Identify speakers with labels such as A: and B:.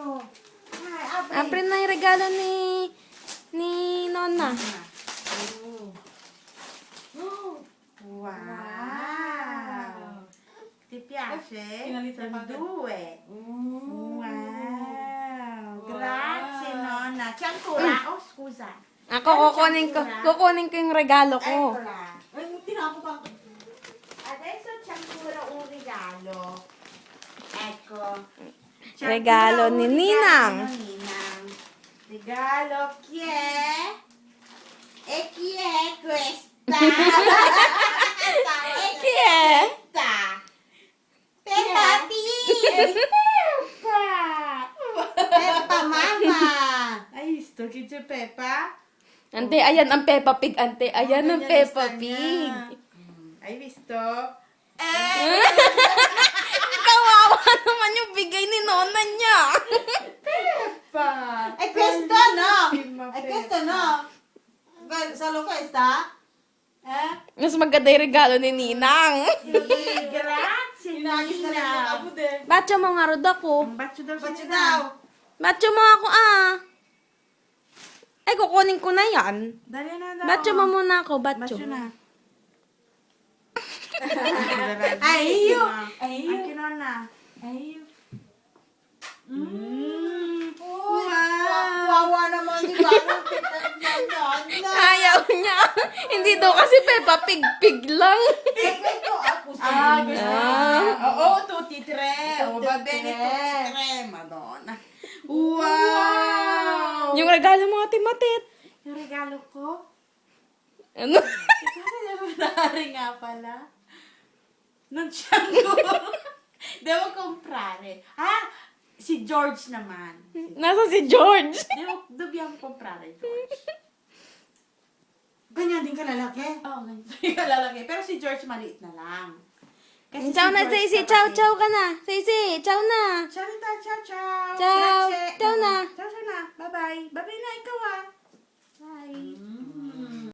A: Oh. Ay, abre.
B: Apre na yung regalo ni Nona.
A: Oh. Wow. Ti piace? Sono due. Wow. Grazie, nonna. C'è ancora? Oh, scusa.
B: Ako, kukunin ko yung regalo ko.
A: Eccola. Adesso c'è ancora un regalo. Ecco. C'è
B: Regalo
A: ancora
B: ni
A: un
B: Ninang.
A: regalo di Ninang. Regalo chi è? E chi è questa? E chi
B: Yeah.
A: questa? Peppa Pig! Peppa! Peppa mamma! Hai visto che c'è Peppa?
B: Ante, ayan ang Peppa Pig. Ante, ayan ang
A: Ganyan
B: Peppa
A: yung
B: Pig.
A: style niya. Hai visto?
B: Kawawa naman yung bigay ni Nona niya.
A: Peppa!
C: E questo no!
A: Bellissima
C: E
A: Peppa.
C: questo no! Solo questa?
B: Mas maganda yung regalo ni Ninang.
A: Sì, grazie
C: Inagis na lang
A: Nina.
C: ako din.
B: Bacho mo nga rod ako.
A: Un bacio daw sa
C: Ba't
A: Nina.
C: daw?
B: Bacho mo ako Ay, kukunin ko na yan.
A: Dali na daw.
B: Bacho mo muna ako, bacho.
A: Bacio na.
C: Ay, io.
A: Anche nonna.
C: Wawa naman, di ba? Ang titat ng nonna.
B: Ayaw niya. Hindi daw kasi Peppa Pig, pig lang.
C: E questo ako sa
A: Gusto
B: Ah.
A: niya. Oo, tutti tre. Oh, va bene,
C: tre.
A: tutti tre. Madonna. Wow!
B: Yung regalo mo, Ate Matit.
A: Yung regalo ko?
B: Ano?
A: February nga pala. Non c'hango. Devo comprare. Ah, si George naman.
B: Nasa si George.
A: Dobbiamo comprare George.
C: Ganyan din kalalaki.
A: Oo, ganyan yung lalaki. Pero si George maliit na lang. Kasi
B: Ciao na,
A: George
B: Stacy.
A: kapatid.
B: Ciao, ciao ka na. Stacy, ciao na.
A: Ciao, Rita. Ciao, ciao.
B: Ciao.
A: Grazie.
B: Ciao na.
A: Ciao, ciao na. Bye-bye. Bye-bye na, ikaw ah. Bye.